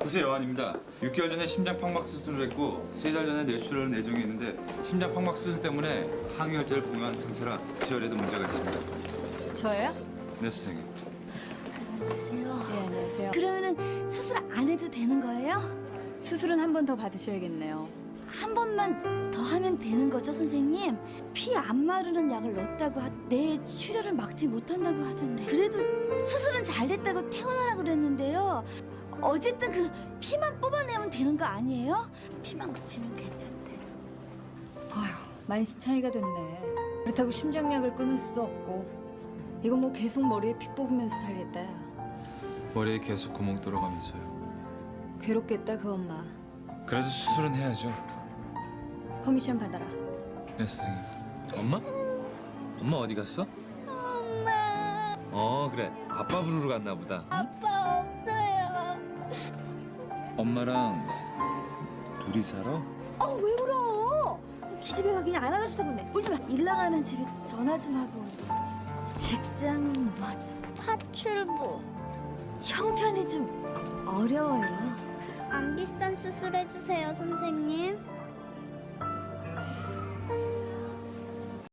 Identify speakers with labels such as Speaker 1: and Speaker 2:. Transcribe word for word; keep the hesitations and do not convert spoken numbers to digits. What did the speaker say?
Speaker 1: 구세 여한입니다. 육 개월 전에 심장 판막 수술을 했고 세 달 전에 뇌출혈 내종이 있는데 심장 판막 수술 때문에 항유혈제를 복용한 상태라 지혈에도 문제가 있습니다.
Speaker 2: 저예요?
Speaker 1: 네, 선생님.
Speaker 2: 안녕하세요. 네, 안녕하세요.
Speaker 3: 그러면은 수술 안 해도 되는 거예요?
Speaker 2: 수술은 한 번 더 받으셔야겠네요.
Speaker 3: 한 번만 더 하면 되는 거죠, 선생님? 피 안 마르는 약을 넣었다고 하, 내 출혈을 막지 못한다고 하던데. 그래도 수술은 잘 됐다고 퇴원하라 그랬는데요. 어쨌든 그 피만 뽑아내면 되는 거 아니에요? 피만 그치면 괜찮대.
Speaker 2: 아휴, 만시 차이가 됐네. 그렇다고 심장약을 끊을 수도 없고. 이거 뭐 계속 머리에 피 뽑으면서 살겠다.
Speaker 1: 머리에 계속 구멍 뚫어가면서요.
Speaker 2: 괴롭겠다, 그 엄마.
Speaker 1: 그래도 수술은 해야죠.
Speaker 2: 퍼미션 받아라.
Speaker 1: 네, 선생님.
Speaker 4: 엄마? 엄마 어디 갔어?
Speaker 3: 엄마,
Speaker 4: 어 그래 아빠 부르러 갔나 보다.
Speaker 3: 아빠 없어요.
Speaker 4: 엄마랑 둘이 살아?
Speaker 3: 어, 왜 울어? 기집애가 그냥 안아주다 보네. 울지 마. 일 나가는 집에 전화 좀 하고. 직장은 뭐죠?
Speaker 5: 파출부.
Speaker 3: 형편이 좀 어려워요.
Speaker 5: 안 비싼 수술 해주세요, 선생님.